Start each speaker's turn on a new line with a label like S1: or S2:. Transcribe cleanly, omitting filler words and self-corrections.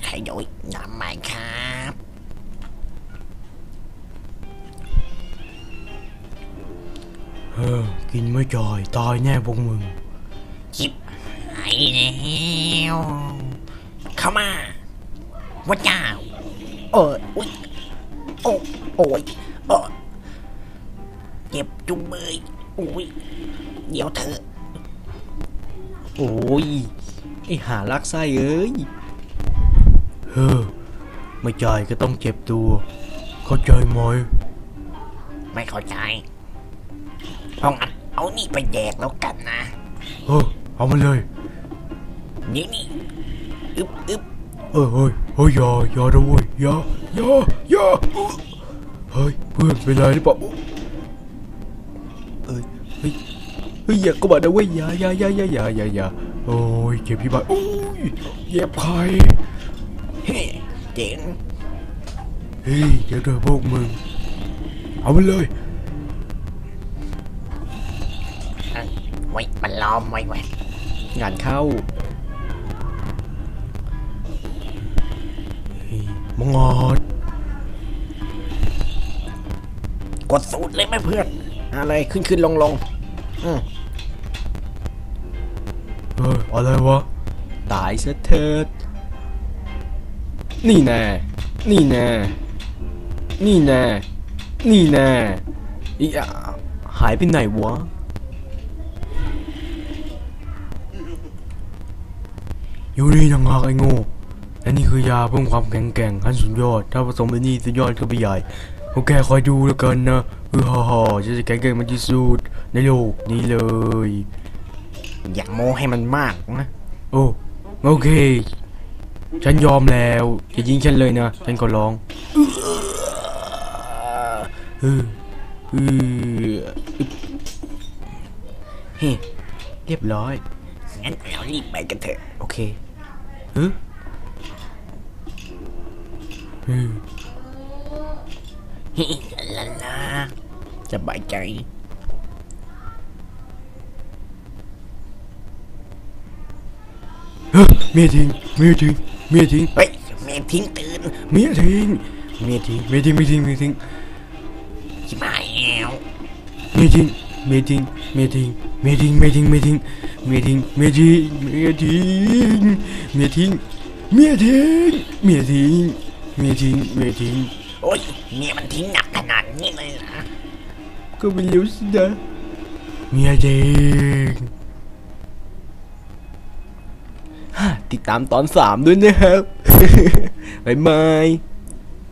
S1: ขยอยน้ำใหม่ครับ
S2: กินไม่จ่อยตายแน่พวกมึง
S1: จิบหายแล้วเข้ามาวัดเจ้าอุ๊ยโอ้ยเจ็บจุงเบยอุ้ยเดี๋ยวเถอะ
S3: โอ้ยไอหาลักไส้เอ้ย
S2: ไม่จ่ายก็ต้องเจ็บตัวเข้าใจไหม
S1: ไม่เข้าใจเอางั้นเอานี่ไปแดกแล้วกันนะ
S2: เอามาเลย
S1: นี่อึบ
S2: อย่าด้วยอย่าเฮ้ยเพื่อนเป็นไรหรือเปล่า
S3: เฮ้ยอย่าก็บอกนะเว้ยอย่า
S2: โอ้ยเจ็บที่บ้านโอ้ยเย็บใคร
S1: เฮ้เจ๋ง
S2: เดี๋ยวพวกมึงเอาไปเลย
S1: ไว้มันล้อมไว้
S3: งานเข้า
S2: มังงอด
S1: กดสูตรเลยไหมเพื่อนอะไรขึ้นลง
S2: อะไรวะ
S3: ตายซะเถิดนี่แน่อีหายไปไหนวะ
S2: อยู่นี่ยังหากไอ้โง่และนี่คือยาเพิ่มความแข็งแกร่งขั้นสุดยอดถ้าผสมไอ้นี่สุดยอดก็ไปใหญ่โอเคคอยดูแล้วกันนะฮ่าจะแข็งแกร่งมันที่สุดในโลกนี้เลย
S1: อย่าโม้ให้มันมากนะ
S2: โอเคฉันยอมแล้วอย่ายิงฉันเลยนะฉันก็ร้อง
S3: เรียบร้อย
S1: งั้นเรารีบไปกันเถอะ
S3: โอเค
S1: ลาสบายใจ
S2: เมียทิ้ง
S1: เฮ้ยเมียทิ้งตื่น
S2: เมียทิ้ง
S1: ชิบหายแล้ว
S2: เมียทิ้งเมียทิ้ง
S1: โอ้ยเมียมันทิ้งหนักขนาดนี้เลยนะ
S3: ก็ไม่รู้สินะ
S2: เมียทิ้ง
S3: ติดตามตอน3ด้วยนะครับบ๊ายบาย